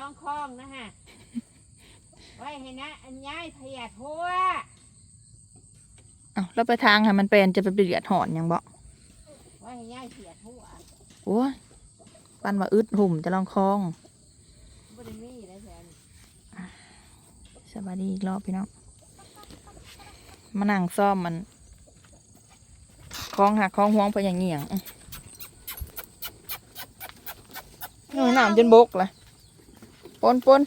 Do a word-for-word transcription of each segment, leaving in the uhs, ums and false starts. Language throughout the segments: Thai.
องคล้องนะฮะไว้ให้นะอันย้ายพยาทั่วอ้าวแล้วไปทางค่ะมันเป็นจะไปเดือดหอนยังบ่ไว้ให้ย้ายพยาทั่วโอ้ยปันมาอึดหุ่มจะลองคลองบ่ได้มีได้แทนสวัสดีอีกรอบพี่น้องมานั่งซ่อมมันคลองหักคลองห่วงไปอย่างเงี้ยงหน่อยน้ำจนบกเลยปนปน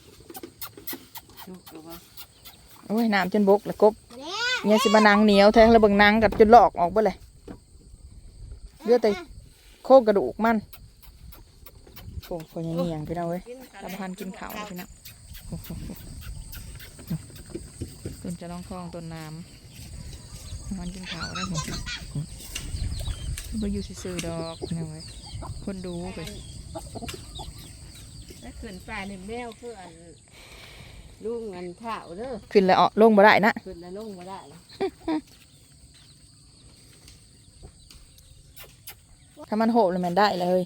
โอ้ยน้ำจนบกเลยกบเนี่ยสิบานังเหนียวแทงแล้วเบิ่งนังกับจนหลอกออกไปเลยเลือดแต่โคกกระดูกมันโอ้ยคนอย่างเงี้ยงพี่น้องเว้ยตะพันกินข้าวพี่น้องต้นจะร้องคลองต้นน้ำมันกินข้าวได้หมดไปอยู่ซื่อๆดอกพี่น้องเว้ยคนดูไปแล้วขึ้นป่าหนึ่งแมวเพื่อนลุงเงินข้าวเด้อขึ้นแล้วออกลงบ่ได้นะขึ้นแล้วลงบ่ได้ถ้ามันโหบเลยมันได้เลย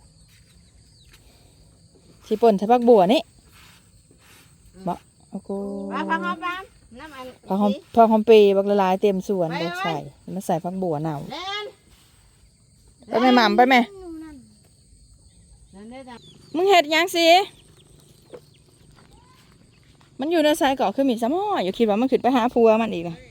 สีป่นใช้ผักบัวนี่บ่โอ้โหพักหอมบ้างน้ำอันผักหอมผักหอมเปย์บักละลายเต็มสวนเลยใส่มาใส่ผักบัวหนาวไปแม่หม่ำไปแม่มึงเห็ดยังสิมันอยู่ในสายเกาะคือมีสมออยู่คิดว่ามันขึ้นไปหาพัวมันอีกนะ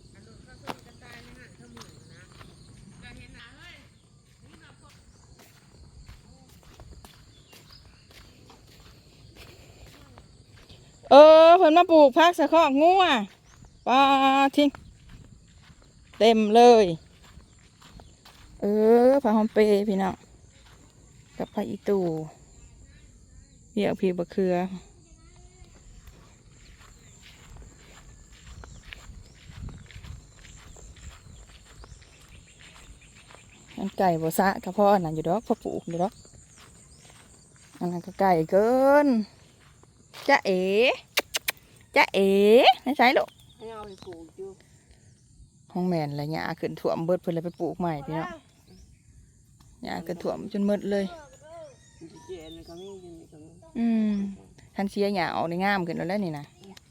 เออเพิ่นมาปลูกพักสะเคาะงัวปลาทิ้งเต็มเลยเออผักหอมเปย์พี่น้องกับผักอีตูเหี่ยวพีบะเขือมันไก่บ่ซะกระเพาะนั่นอยู่ดอกพอปลูกอยู่ดอกอันนั้นก็ไก่เกินจ๊ะเอ๋จ๊ะเอ๋ไม่ใช่ลูกห้องแมนอะไรเงี้ยขึ้นถ่วมเบิดเพิ่นเลยไปปลูกใหม่พี่น้องเนี่ยขึ้นถ่วมจนหมดเลยอืมทันเชียหยาออกในงามขึ้นแล้วนี่นะ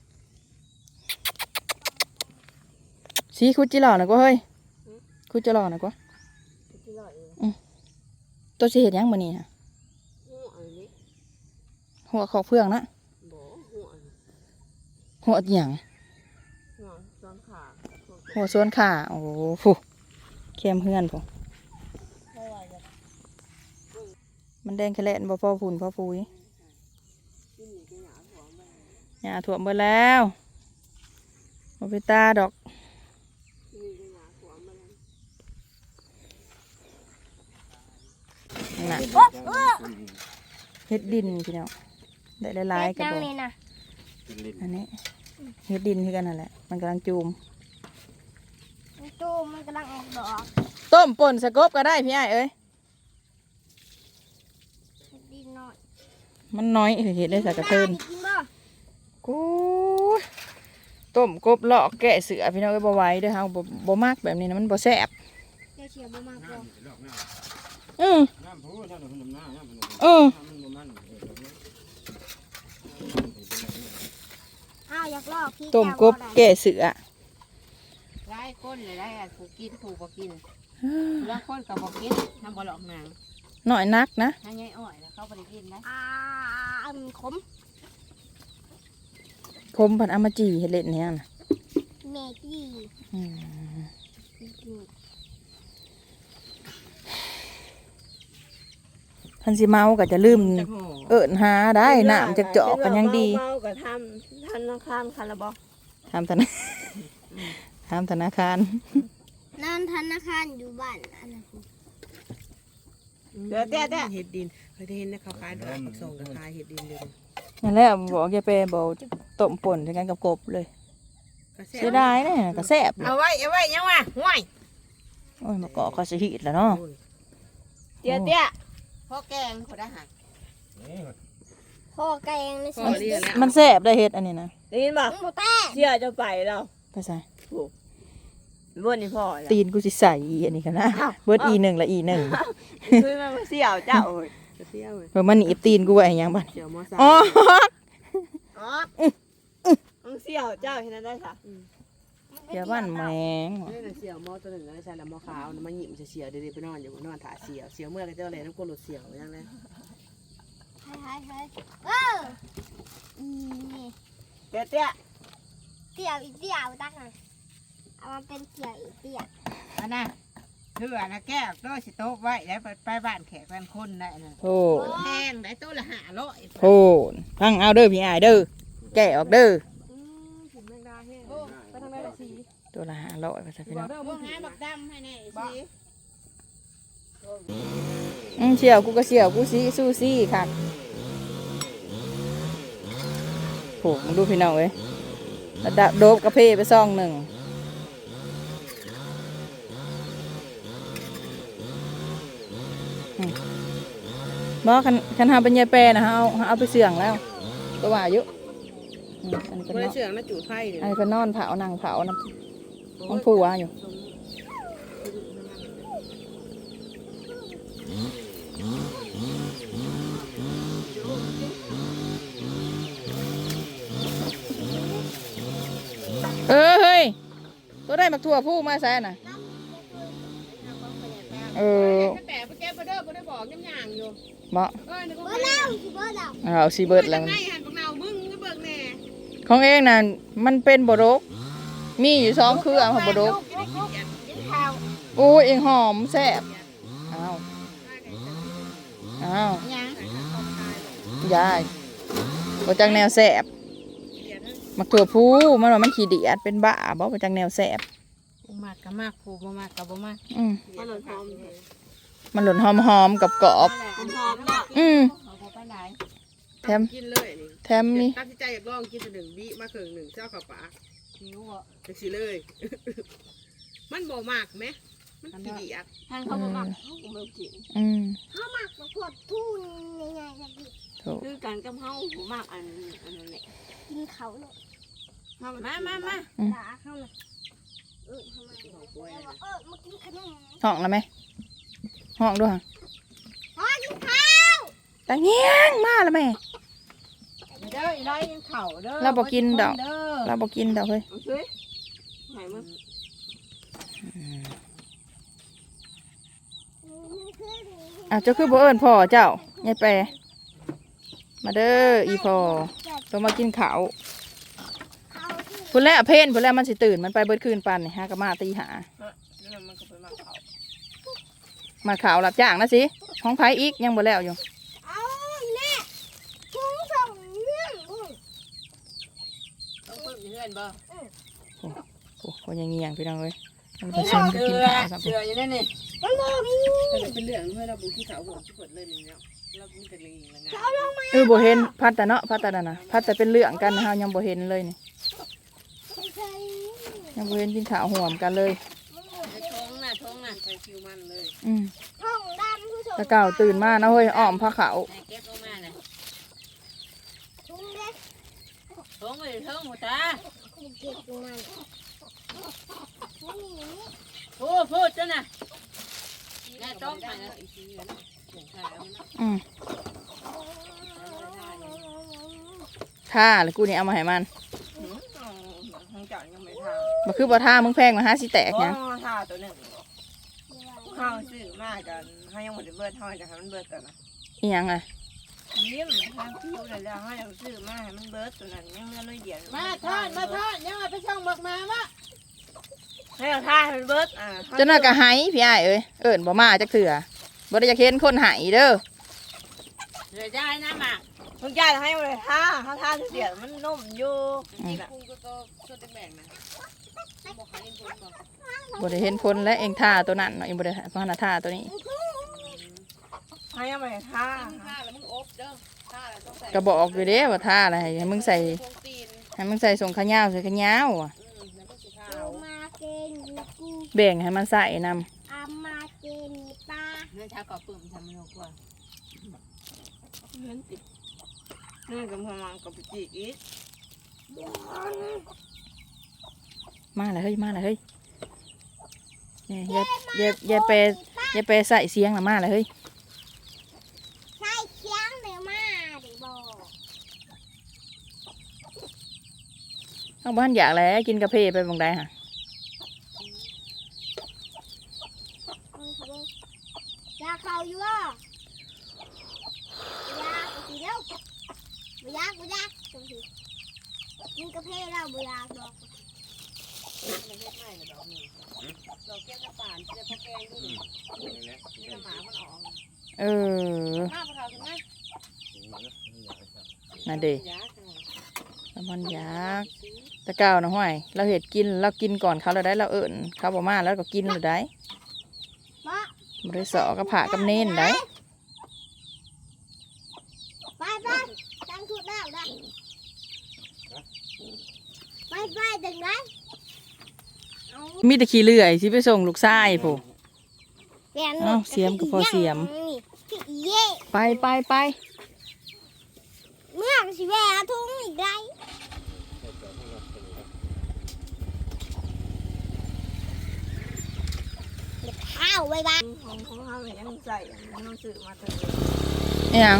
สีคุดจิหล่อหน่อยก็เฮ้ยคุดจิหล่อหน่อยก็ตัวสีเห็ดยังมันนี่ฮะหัวขอกเพื่องนะหัวหยังหัวส่วนขาโอ้โหฟูเข้มเฮือนฟูมันแดงแคลนบ่พอฝุ่นพอฟุยหญ้าถ่วมไปแล้วบ่ไปตาดอกน่ะเฮ็ดดินพี่น้องได้หลายๆกระบอกอันนี้เฮ็ดดินคือกันนั่นแหละมันกำลังจูมจูมมันกำลังออกดอกต้มป่นสะกบก็ได้พี่ไอ้เอ้ยดินน้อยมันน้อยเห็ดได้สักกระเทินกูต้มกบเลาะแกะเสือพี่น้องก็บ่ไหวเด้อเฮาบ่บ่มากแบบนี้นะมันบ่แซ่บเชียบ่มากบ่อือเอออ้าวอยากลอกพี่ต้มกบแกะเสือไล่คนเลยไล่ผูกกินผูกบ่กินแล้วคนกับบ่กินทำบ่หลอกนางหน่อยนักนะถ้าใหญ่อ้อยแล้วเขาบ่ได้กินนะอ่าอันขมคมพันอามาจีเห็ดเล็ดเนี่ยนะเมจี้ทันสิเมาก็จะลืมเอิญหาได้น้ำจะเจาะกันยังดีเมาก็ทำธนาคารคาราบอทำธนาทำธนาคารนั่นธนาคารอยู่บ้านอันนั้นเดี๋ยวเดี๋ยวเดี๋ยวเห็ดดินเคยเห็นนะเขาขายดอกผักส่งกับขายเห็ดดินเลยนั่นแหละบอกแกไปบอกต้มป่นด้วยกันกับกบเลยเสียดายเนี่ยกระแซบเอาไว้เอาไว้ยังวะห่วยโอ้ยมาเกาะก็สิหิดแล้วเนาะเดี๋ยวเดี๋ยวพ่อแกงขอได้หักพ่อแกงนี่มันแซบได้เห็ดอันนี้นะได้ยินป่ะเชี่ยจะไปเราไปใส่เบิร์นี่พ่อตีนกูสิใส่อันนี้กันนะเบิร์ดอีหนึ่งละอีหนึ่งคือมันเสี่ยวเจ้าจะเที่ยวเลยเพิ่นมันหนีบตีนกูไว้หยังบัดเสี่ยวมอสาอ๋ออ๋อมึงเสี่ยวเจ้าเห็นได้ค่ะเดี๋ยวบ้านแมงนี่น่ะเสี่ยวมอตัวหนึ่งแล้วใช่แล้วมอขาวมันหยิบจะเสี่ยวเดี๋ยวไปนอนอยู่นอนถ่าเสี่ยวเสี่ยวเมื่อไรเจ้าเลยน้ำกรดเสี่ยวยังไงใช่ใช่ใช่เอออีนี่เตี้ยเตี้ยเตี่ยวอีเตี่ยวตักหน่อยเอามาเป็นเตี่ยวอีเตี่ยวอันน่ะเถื่อนะแก้วโต๊ะสิโต๊ะไว้แล้วไปบ้านแขกบ้านคนได้น่ะโอ้แพงได้โต๊ะละห้าร้อยโหพังเอาเด้อพี่อายเด้อแกะออกเด้ออืมผมแมงดาแห้งไปทางไหนละสีตัวละห้าร้อยภาษาพี่น้องพวกงานบักดำให้แน่สีอืมเชี่ยวกูก็เชี่ยวกูซีสู้ซี่ค่ะโหมึงดูพี่น้องเว้ยระดับโดบกระเพาะไปซองหนึ่งอืมบ่คันคันหาเป็นยายแปรนะฮะเอาเอาไปเสื่องแล้วก็ว่าอยู่อืมอันนี้ก็คนนละอนเชือกนะจูดไผ่เนี่ยอันนี้ก็นอนเผานั่งเผานะน้องผัวอยู่เออเฮ้ยตัวได้มักถั่วผู้มาใส่น่ะเออแต่ไปแก้ไปเด้อไปได้บอกยังย่างอยู่เหมาะเออนี่ก็เบอร์เล่าสิเบอร์เล่าเอาซีเบิร์ดแล้วไงหันบักเนามึงก็เบิกแน่ของเองน่ะมันเป็นบดกมีอยู่สองเครือของบดกกินข้าวโอ้ยเองหอมแซ่บอ้าวอ้าวยังยายบ่จังแนวแซ่บมักถั่วผู้มันว่ามันขี้เดียดเป็นบ้าบ่บ่จังแนวแซ่บมากกับมากผูบ่มากกับบ่มากอืมมันหล่นหอมมันหล่นหอมๆกับกรอบหอมหอมเนาะๆอืมเอาไปไหนแถมกินเลยนี่แถมนี่ตั้งใจอยากลองกินหนึ่งบิมาครึ่งหนึ่งเจ้ากับป๋าหิวอ่ะจังสิเลย มันบ่มากไหมมันขี้ดีอ่ะทางเขาบ่มากเขาบ่มากินอืมข้าวหมักมะขวดทู่นี่ไงครับพี่ถูกคือกันกับเฮาบ่มากอันอันนั้นแหละกินเขาเลยมามามาด่าเขาเลยเออทำไมเออมากินขนมห้องแล้วไหมห้องด้วยพ่อกินข้าวตาเงี้ยงมาแล้วแม่เด้ออีไรยังเข่าเด้อเราบ่กินดอกเด้อเราบอกินดอกเฮ้ยเอาซื้อไหนมึงอ้าวเจ้าคือบ่เอิ้นพ่อเจ้ายายแปรมาเด้ออีพ่อต้องมากินข้าวเขาที่พุ่นแล้วเพนพุ่นแล้วมันสิตื่นมันไปเบิดคืนปันนี่ฮะก็มาตีหาแล้วมันก็ไปมาเข่ามาข่าวรับจ้างนะสิห้องไผอีกยังบ่แล้วอยู่เอาแน่พุงส่งเรื่องอุ้ยต้องเพิ่มเงื่อนบ่โอ้โหยังเงียงพี่น้องเอ้ยมันไปชมกันกินข้าวสักเสืออยู่นั่นนี่มันบอกนี่แต่เป็นเรื่องเมื่อเราบุกที่เขาบอกที่เปิดเลยนี่แล้วเรามีแต่เรื่องละงานเอาลงมาเออบ่เห็นพัดแต่เนาะพัดแต่นั่นน่ะพัดแต่เป็นเรื่องกันนะเฮายังบ่เห็นเลยนี่ใส่ยังบ่เห็นกินข้าวห่วมกันเลยท้องน่ะท้องน่ะใส่คิวมันเลยอืมท้องดำผู้ชมตะเก่าตื่นมานะเฮ้ยอ้อมผ้าขาวแม่เก็บออกมาเลยทุงเล็กท้องเลยท้องหมดตากูเก็บมันนี่พูดพูดจ้ะน่ะแม่ต้องไปนะอีกทีนึงส่งขายเอานะอืมท่าแล้วกูนี่เอามาให้มันทางจ่ายยังไม่ทาบ่คือบ่ท่ามึงแพงมาหาสิแตกหยังทาตัวหนึ่งข้าวซื้อมากกันให้ยังหมดเบิดเท่าไหร่จะให้มันเบิดกันนะอีหยังอ่ะยิ้มทางคิวเลยแล้วให้ยังซื้อมาให้มันเบิดตัวนั้นยังเงินน้อยเดียวมาทอดมาทอดยังไปช่องบักมามะให้เราทาให้มันเบิดอ่าเจ้าน่ะก็ไหพี่อ้ายเอ้ยเอิ้นบ่มาจักเถื่อบ่ได้อยากเห็นคนไหเด้อเดี๋ยวจะให้น้ำหมักมึงจ่ายให้เลยท่าถ้าท่าเสียมันนุ่มอยู่นี่แหละกูก็ก็จะแบ่งนะบอกให้เห็นผลบอกบ่ได้เห็นผลและเองท่าตัวนั้นเนาะเองบ่ได้เพราะหน้าท่าตัวนี้ให้เอาไปท่าท่าแล้วมึงอบเด้อท่าแล้วต้องใส่ก็บอกอยู่เด้ว่าท่าอะไรให้มึงใส่พวงตีนให้มึงใส่ส่งขายาวใส่ขายาวอ่ะอืมแล้วก็สีขาวเอามาเกนกูแบ่งให้มันใส่นำเอามาเกนปลาเนื้อชากับปื้มทำมันกว่าเนื้อติดเนื้อกับพมังกับปิจิอีกมาเลยเฮ้ยมาเลยเฮ้ยเนี่ยอย่าอย่าอย่าไปอย่าไปใส่เสียงละมาเลยเฮ้ยใช่เอาบ้านอยากแล้วกินกาแฟไปบางใดฮะยาเขาอยู่อ่ะยาสีเดียวบุยากบุยากตรงที่กินกาแฟแล้วบุยากดอกมันเล็กไม่ดอกนี่ดอกแก้วกระป่านเจ้าพ่อแกงดูดินี่หมามันออกเออหน้าพวกเราถึงไหมน่ะเด้ละมันอยากตะเก้านะห้อยเราเห็ดกินเรากินก่อนเขาเราได้เราเอิญเขาบอกมาแล้วก็กินเราได้มาบริสอกับผ่ากับเน้นได้ไปไปตั้งชุดแล้วได้ไปไปถึงไหนเอามีแต่ขี้เลื่อยสิไปส่งลูกชายผู้เปลี่ยนเอ้าเสียมก็พอเสียมพี่เย่ไปไปไปเมื่อสิแวะทุ่งอีกได้เด็กข้าวไว้บ้างของของเขาเนี่ยยังใส่ยังซื้อมาเถอะนี่ยัง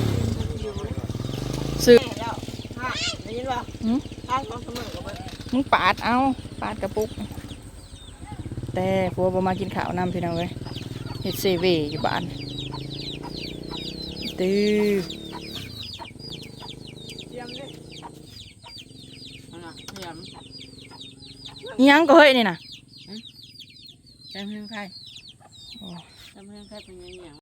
ซื้อแม่แล้วฮะได้ยินป่ะหืมข้างของเสมอกับมันมึงปาดเอาปาดกระปุก แต่ผัวบ่มากินข้าวนำพี่น้องเว้ยเฮ็ดเซเว่อยู่บ้านตื้อเตรียมดิอ่ะเตรียมอิหยังก็เฮ้ยนี่น่ะจำเพื่อนใครจำเพื่อนใครเป็นยังไง